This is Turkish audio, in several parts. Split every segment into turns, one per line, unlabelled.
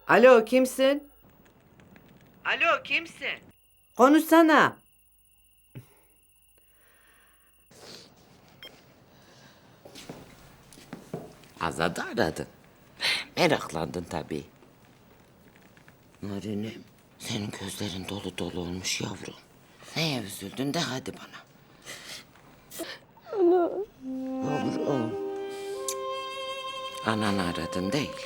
Alo, kimsin?
Alo, kimsin?
Konuşsana.
Azad'ı aradın. Meraklandın tabii. Nurinim, senin gözlerin dolu dolu olmuş yavrum. Neye üzüldün de hadi bana. Ana. Yavrum. Ananı aradın değil.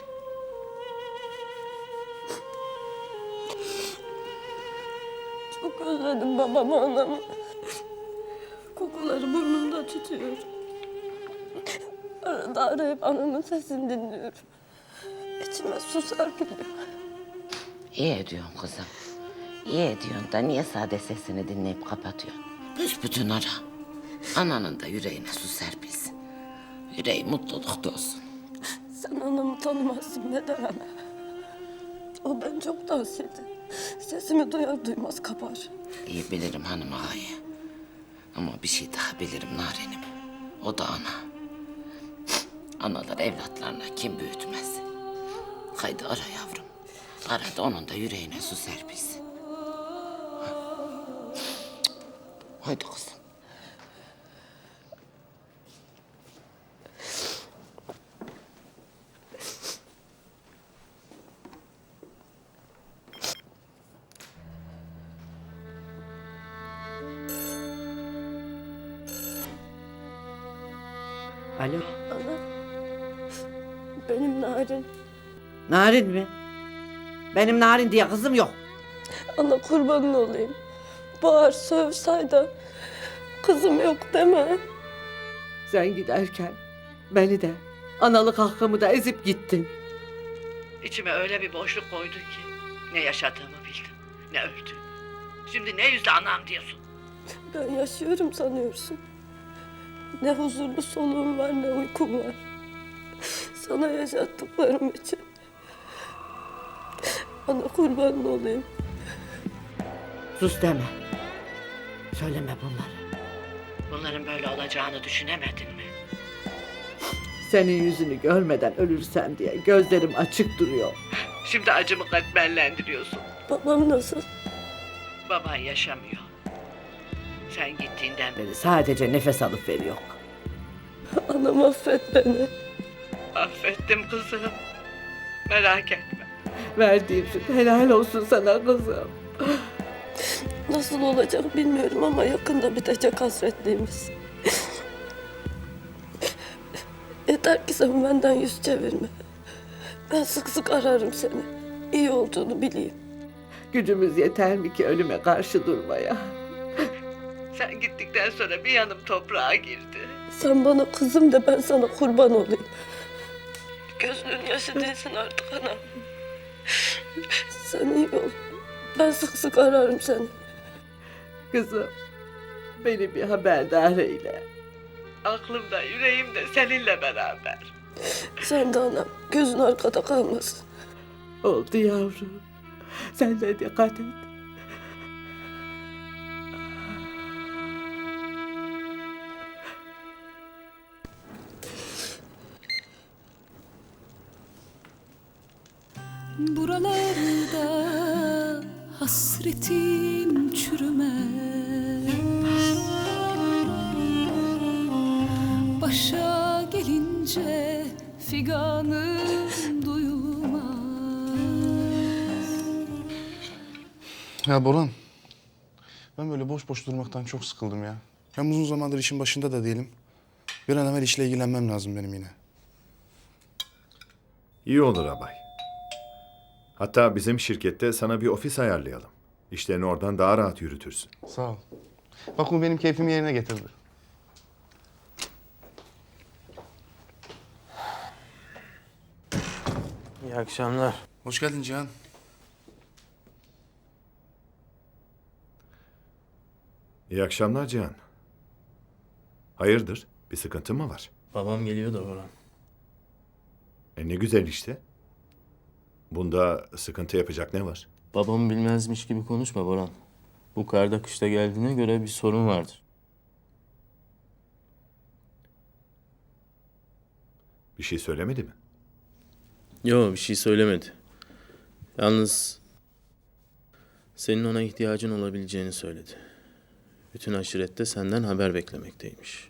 Çok özledim babamı, anamı. Kokuları burnumda tutuyor. Arada arayıp anamın sesini dinliyorum. İçime su serpiliyor.
İyi ediyorsun kızım. İyi ediyorsun da niye sade sesini dinleyip kapatıyorsun? Büsbütün ara. Ananın da yüreğine su serpilsin. Yüreği mutlulukta olsun.
Sen anamı tanımazsın ne der ana. O ben çok tavsiyedi. Sesimi duyar duymaz kapar.
İyi bilirim hanım ağayı. Ama bir şey daha bilirim Narenim. O da ana. Analar evlatlarına kim büyütmez. Haydi ara yavrum. Ara da onun da yüreğine su serpilsin. Haydi kızım.
Alo.
Ana, benim Narin.
Narin mi? Benim Narin diye kızım yok.
Ana kurbanın olayım. Bağır, söv, sayda. Kızım yok deme.
Sen giderken beni de, analık hakkımı da ezip gittin.
İçime öyle bir boşluk koydun ki ne yaşadığımı bildim, ne öldüğümü. Şimdi ne yüzle anam diyorsun?
Ben yaşıyorum sanıyorsun. Ne huzurlu soluğum var ne uykum var. Sana yaşattıklarım için. Ana kurbanın olayım.
Sus deme. Söyleme bunları.
Bunların böyle olacağını düşünemedin mi?
Senin yüzünü görmeden ölürsem diye gözlerim açık duruyor.
Şimdi acımı katmerlendiriyorsun.
Babam nasıl?
Baban yaşamıyor. Sen gittiğinden beri
Beni sadece nefes alıp veriyor.
Anam affet beni.
affettim kızım. Merak etme.
Verdiğim süt helal olsun sana kızım.
Nasıl olacak bilmiyorum ama yakında bitecek hasretliğimiz. Yeter ki sen benden yüz çevirme. Ben sık sık ararım seni. İyi olduğunu bileyim.
Gücümüz yeter mi ki ölüme karşı durmaya?
Sen gittikten sonra bir yanım toprağa girdi.
Sen bana kızım de ben sana kurban olayım. Gözünün yaşı değilsin artık anam. Sen iyi ol. Ben sık sık ararım seni.
Kızım, beni bir haberdar eyle.
Aklımda, yüreğimde seninle beraber.
Sen de anam. Gözün arkada kalmasın.
Oldu yavrum. Sen de dikkat et.
Buralarda hasretim çürümez. Başa gelince figanım duyulmaz.
Ya Boran, ben böyle boş boş durmaktan çok sıkıldım ya. Hem uzun zamandır işin başında da değilim. Bir an evvel işle ilgilenmem lazım benim yine.
İyi olur abay. Hatta bizim şirkette sana bir ofis ayarlayalım. İşlerini oradan daha rahat yürütürsün.
Sağ ol. Bak bu benim keyfimi yerine getirdi.
İyi akşamlar.
Hoş geldin Cihan.
İyi akşamlar Cihan. Hayırdır? Bir sıkıntı mı var?
Babam geliyor da Orhan.
Ne güzel işte. Bunda sıkıntı yapacak ne var?
Babamı bilmezmiş gibi konuşma Boran. Bu karda kışta geldiğine göre bir sorun vardır.
Bir şey söylemedi mi?
Yo, bir şey söylemedi. Yalnız senin ona ihtiyacın olabileceğini söyledi. Bütün aşirette senden haber beklemekteymiş.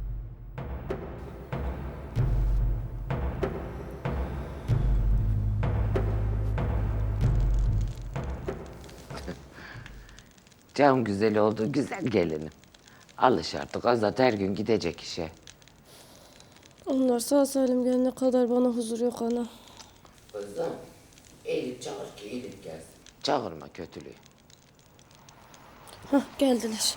Can güzel oldu, güzel gelinim. Alış artık, Azat her gün gidecek işe.
Onlar sağ salim gelene kadar bana huzur yok ana.
Kızım, eğilip çağır ki iyilik gelsin. Çağırma kötülüğü.
Hah, geldiler.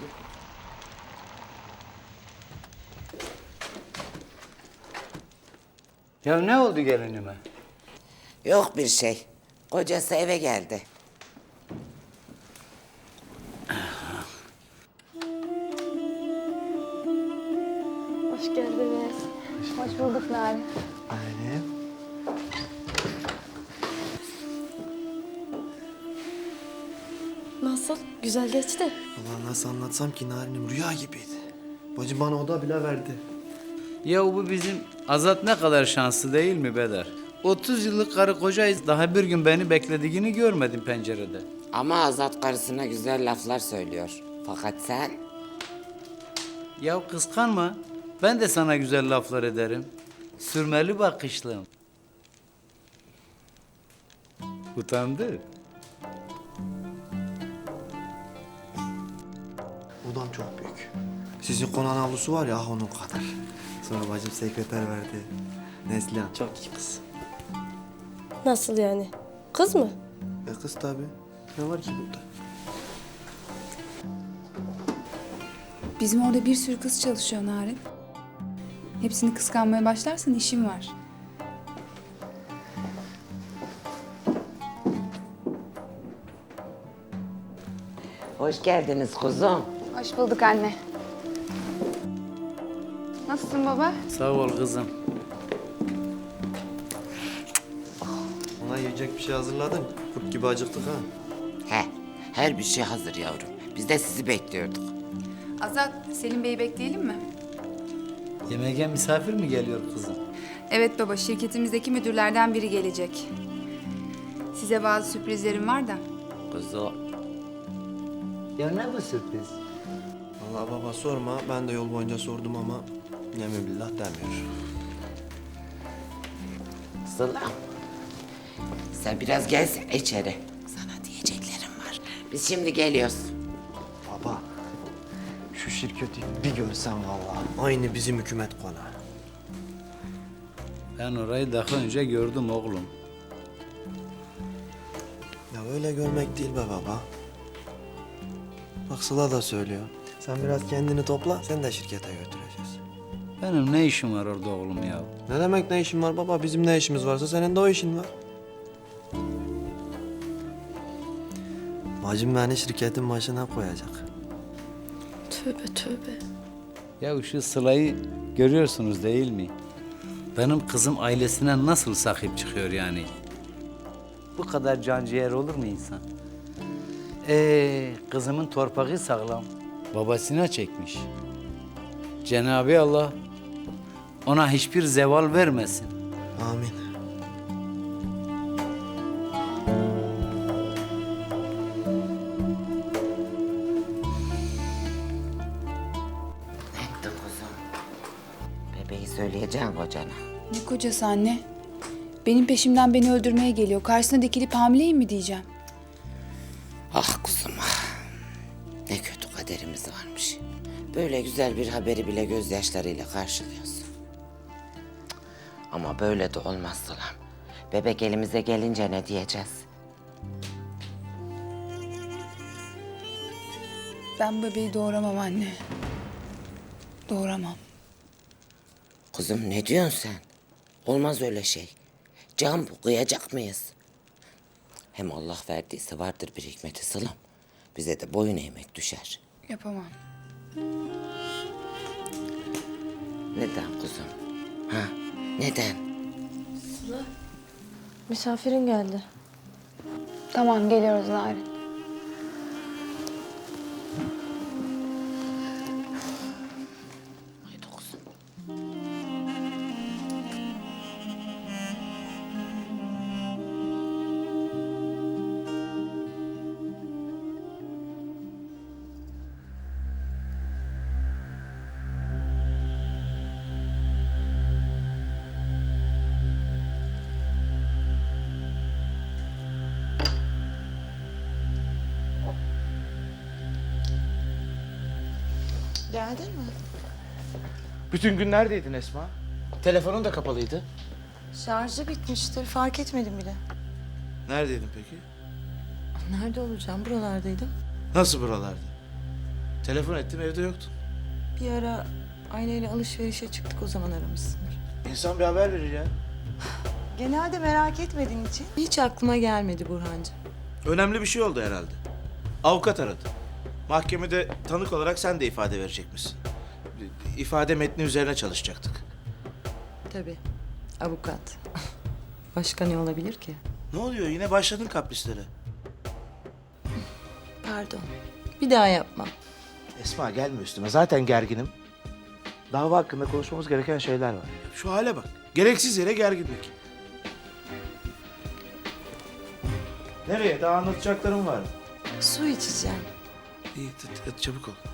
Ya ne oldu gelinime?
Yok bir şey. Kocası eve geldi.
Hoş geldiniz.
Hoş bulduk Narin.
Annem.
Nasıl? Güzel geçti.
Allah nasıl anlatsam ki Narin'im rüya gibiydi. Bacım bana oda bile verdi.
Ya bu bizim Azat ne kadar şanslı değil mi Bedar? 30 yıllık karı kocayız. Daha bir gün beni beklediğini görmedim pencerede.
Ama Azat karısına güzel laflar söylüyor. Fakat sen...
Ya kıskanma. Ben de sana güzel laflar ederim. Sürmeli bakışlım. Utandı.
Odam çok büyük. Sizin konağın avlusu var ya ah onun kadar. Sonra bacım sekreter verdi. Neslihan çok iyi kız.
Nasıl yani? Kız mı?
Kız tabii. Ne var ki burada?
Bizim orada bir sürü kız çalışıyor Narin. Hepsini kıskanmaya başlarsan işim var.
Hoş geldiniz kuzum.
Hoş bulduk anne. Nasılsın baba?
Sağ ol kızım.
Ona yiyecek bir şey hazırladın. Kurt gibi acıktık ha.
He, her bir şey hazır yavrum. Biz de sizi bekliyorduk.
Azat, Selim Bey'i bekleyelim mi?
Yemeğe misafir mi geliyor kızım?
Evet baba, şirketimizdeki müdürlerden biri gelecek. Size bazı sürprizlerim var da.
Kuzum.
Ya ne bu sürpriz?
Vallahi baba sorma. Ben de yol boyunca sordum ama yemin billah demiyor.
Sıla. Sen biraz gelsene içeri. Sana diyeceklerim var. Biz şimdi geliyoruz.
Baba şu şirketi bir görsen vallahi. Aynı bizim hükümet konağı.
Ben orayı daha önce gördüm oğlum.
Ya öyle görmek değil be baba. Bak Sıla da söylüyor. Sen biraz kendini topla, sen de şirkete götüreceğiz.
Benim ne işim var orada oğlum ya?
Ne demek ne işin var baba? Bizim ne işimiz varsa senin de o işin var. Bacım beni şirketin başına koyacak.
Tövbe tövbe.
Ya şu Sıla'yı görüyorsunuz değil mi? Benim kızım ailesine nasıl sahip çıkıyor yani? Bu kadar canciğer olur mu insan? Kızımın torpağı sağlam. Babasına çekmiş. Cenab-ı Allah ona hiçbir zeval vermesin.
Amin.
Ne ettin kuzum? Bebeği söyleyeceğim kocana.
Ne kocası anne? Benim peşimden beni öldürmeye geliyor. Karşısına dikilip hamileyim mi diyeceğim.
Ah kuzum ah. Ne kötü kaderimiz varmış. Böyle güzel bir haberi bile gözyaşlarıyla karşılıyorsun. Cık. Ama böyle de olmaz Sılam. Bebek elimize gelince ne diyeceğiz?
Ben bebeği doğuramam anne. Doğuramam.
Kızım ne diyorsun sen? Olmaz öyle şey. Can bu, kıyacak mıyız? Hem Allah verdiyse vardır bir hikmeti Sılam. Bize de boyun eğmek düşer.
Yapamam.
Neden kuzum? Ha? Neden?
Misafirin geldi.
Tamam, geliyoruz Narin.
Haydi kuzum.
Geldin mi?
Bütün gün neredeydin Esma? Telefonun da kapalıydı.
Şarjı bitmiştir. Fark etmedim bile.
Neredeydin peki?
Nerede olacağım? Buralardaydım.
Nasıl buralarda? Telefon ettim evde yoktun.
Bir ara aileyle alışverişe çıktık, o zaman aramışsındır.
İnsan bir haber verir ya.
Genelde merak etmediğin için hiç aklıma gelmedi Burhancığım.
Önemli bir şey oldu herhalde. Avukat aradı. Mahkemede tanık olarak sen de ifade verecekmişsin. İfade metni üzerine çalışacaktık.
Tabii. Avukat. Başka ne olabilir ki?
Ne oluyor? Yine başladın kaprislere.
Pardon. Bir daha yapmam.
Esma gelme üstüme. Zaten gerginim. Dava hakkında konuşmamız gereken şeyler var. Şu hale bak. Gereksiz yere gerginlik. Nereye? Daha anlatacaklarım var.
Su içeceğim.
İyi, hadi çabuk ol.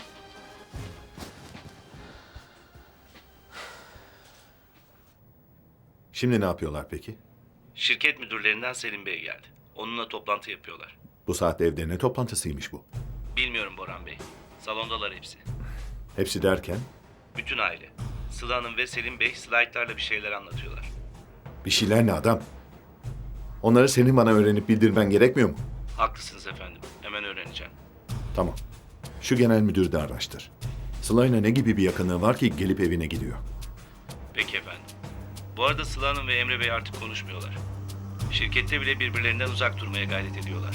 Şimdi ne yapıyorlar peki?
Şirket müdürlerinden Selim Bey geldi. Onunla toplantı yapıyorlar.
Bu saatte evde ne toplantısıymış bu?
Bilmiyorum Boran Bey. Salondalar hepsi.
Hepsi derken
Bütün aile. Sıla Hanım ve Selim Bey slaytlarla bir şeyler anlatıyorlar.
bir şeyler ne adam? Onları senin bana öğrenip bildirmen gerekmiyor mu?
Haklısınız efendim. Hemen öğreneceğim.
Tamam. Şu genel müdürü de araştır. Sıla'yla ne gibi bir yakınlığı var ki gelip evine gidiyor?
Peki efendim. Bu arada Sıla Hanım ve Emre Bey artık konuşmuyorlar. Şirkette bile birbirlerinden uzak durmaya gayret ediyorlar.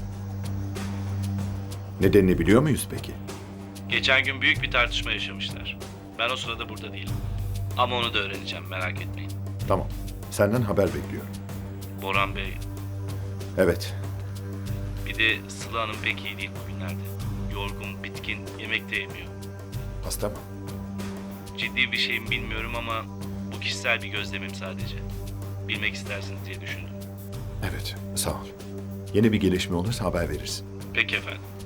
Nedenini biliyor muyuz peki?
Geçen gün büyük bir tartışma yaşamışlar. Ben o sırada burada değilim. Ama onu da öğreneceğim, merak etmeyin.
Tamam. Senden haber bekliyorum.
Boran Bey,
Evet.
bir de Sıla Hanım pek iyi değil bugünlerde. Yorgun, bitkin, yemek de yemiyor.
Hasta mı?
Ciddi bir şeyim bilmiyorum ama bu kişisel bir gözlemim sadece. Bilmek istersiniz diye düşündüm.
Evet. Sağ ol. Yeni bir gelişme olursa haber verirsin.
Peki efendim.